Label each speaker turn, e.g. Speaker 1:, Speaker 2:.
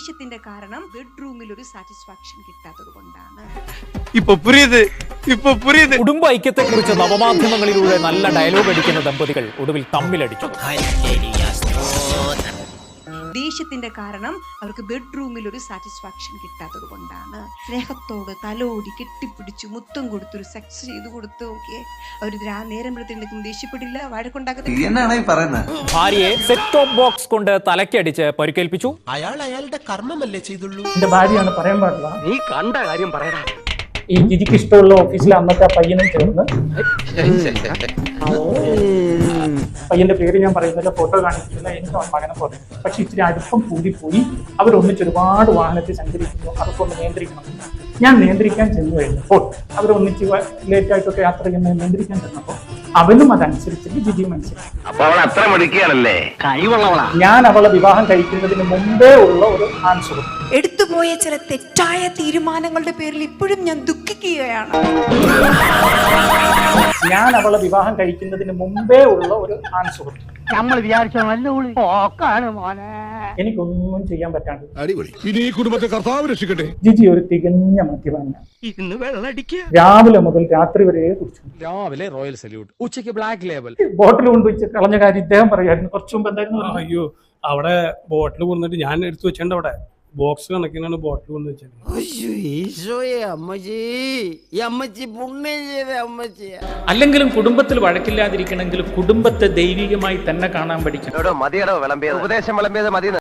Speaker 1: ദേഷ്യത്തിന്റെ കാരണം ബെഡ്റൂമിൽ ഒരു സാറ്റിസ്ഫാക്ഷൻ കിട്ടാത്തത് കൊണ്ടാണ്.
Speaker 2: കുടുംബ ഐക്യത്തെ കുറിച്ച് നവമാധ്യമങ്ങളിലൂടെ നല്ല ഡയലോഗ് അടിക്കുന്ന ദമ്പതികൾ ഒടുവിൽ തമ്മിലടിച്ചു.
Speaker 1: ദേഷ്യത്തിന്റെ കാരണം അവർക്ക് ബെഡ്റൂമിൽ ഒരു സാറ്റിസ്ഫാക്ഷൻ കിട്ടാത്തത് കൊണ്ടാണ്. സ്നേഹത്തോട് തലോടി കെട്ടിപ്പിടിച്ചു മുത്തം കൊടുത്തൊരു സെക്സ് ചെയ്തു കൊടുത്തു നോക്കിയേ, അവർ നേരം എടുത്തിട്ടുണ്ടെങ്കിൽ ദേഷ്യപ്പെടില്ല, വഴക്കുണ്ടാക്കത്തില്ല.
Speaker 2: ഭാര്യയെ സെറ്റ് ടോപ്പ് ബോക്സ് കൊണ്ട് തലക്കടിച്ച് പരിക്കേൽപ്പിച്ചു.
Speaker 3: അയാളുടെ കർമ്മമല്ലേ ചെയ്തുള്ളൂ.
Speaker 4: എന്റെ ഭാര്യയാണ്, പറയാൻ പാടില്ല.
Speaker 5: നീ കണ്ട കാര്യം പറയടാ.
Speaker 4: ഈ ജിജിക്ക് ഇഷ്ടമുള്ള ഓഫീസിലെ അന്നത്തെ ആ പയ്യനും ചേർന്ന്, പയ്യന്റെ പേര് ഞാൻ പറയുന്നില്ല, ഫോട്ടോ കാണിക്കുന്നില്ല, എനിക്ക് മകനെ പോലെ. പക്ഷെ ഇച്ചിരി അടുപ്പം കൂടിപ്പോയി. അവരൊന്നിച്ച് ഒരുപാട് വാഹനത്തിൽ സഞ്ചരിക്കുന്നു, അതൊക്കെ ഒന്ന് നിയന്ത്രിക്കണം. ഞാൻ നിയന്ത്രിക്കാൻ ചെന്നു കഴിഞ്ഞപ്പോൾ, അവരൊന്നിച്ച് ലേറ്റ് ആയിട്ടൊക്കെ യാത്ര ചെയ്യുന്നത് നിയന്ത്രിക്കാൻ ചെന്നപ്പോൾ അവനും അതനുസരിച്ചിട്ട് ജിജി മനസ്സിലാക്കി. ഞാൻ അവളെ വിവാഹം കഴിക്കുന്നതിന് മുമ്പേ ഉള്ള ഒരു ആൻസർ,
Speaker 1: എടുത്തുപോയ ചില തെറ്റായ തീരുമാനങ്ങളുടെ പേരിൽ ഇപ്പോഴും ഞാൻ ദുഃഖിക്കുകയാണ്.
Speaker 4: ഞാൻ അവളെ വിവാഹം കഴിക്കുന്നതിന് മുമ്പേ ഉള്ള ഒരു ആൻസർ,
Speaker 5: നമ്മൾ വിചാരിച്ചോ
Speaker 4: എനിക്കൊന്നും ചെയ്യാൻ പറ്റാണ്ട്.
Speaker 6: ഇനി ഈ കുടുംബത്തെ കർത്താവ് രക്ഷിക്കട്ടെ.
Speaker 4: ജിജി ഒരു തികഞ്ഞ മദ്യപാന.
Speaker 5: ഇന്ന് വെള്ളടിക്കുക.
Speaker 4: രാവിലെ മുതൽ രാത്രി വരെ കുടിച്ചു.
Speaker 7: രാവിലെ റോയൽ സല്യൂട്ട്, ഉച്ചയ്ക്ക് ബ്ലാക്ക് ലേബൽ.
Speaker 4: ബോട്ടിൽ കൊണ്ടുവച്ച് കളഞ്ഞ കാര്യം ഇദ്ദേഹം പറയായിരുന്നു. കുറച്ചു മുമ്പ് എന്തായിരുന്നു?
Speaker 8: അയ്യോ, അവിടെ ബോട്ടിൽ കൊണ്ടിട്ട് ഞാൻ എടുത്തു വെച്ചിട്ടുണ്ട്. അവിടെ ബോക്സ് കണക്കിനാണ് ബോട്ടിൽ കൊണ്ട് വെച്ചത്.
Speaker 9: അല്ലെങ്കിലും കുടുംബത്തിൽ വഴക്കില്ലാതിരിക്കണമെങ്കിൽ കുടുംബത്തെ ദൈവികമായി തന്നെ കാണാൻ പഠിക്കണം.
Speaker 5: മതിയടോ വിളമ്പിയത്, ഉപദേശം വിളമ്പിയത് മതി.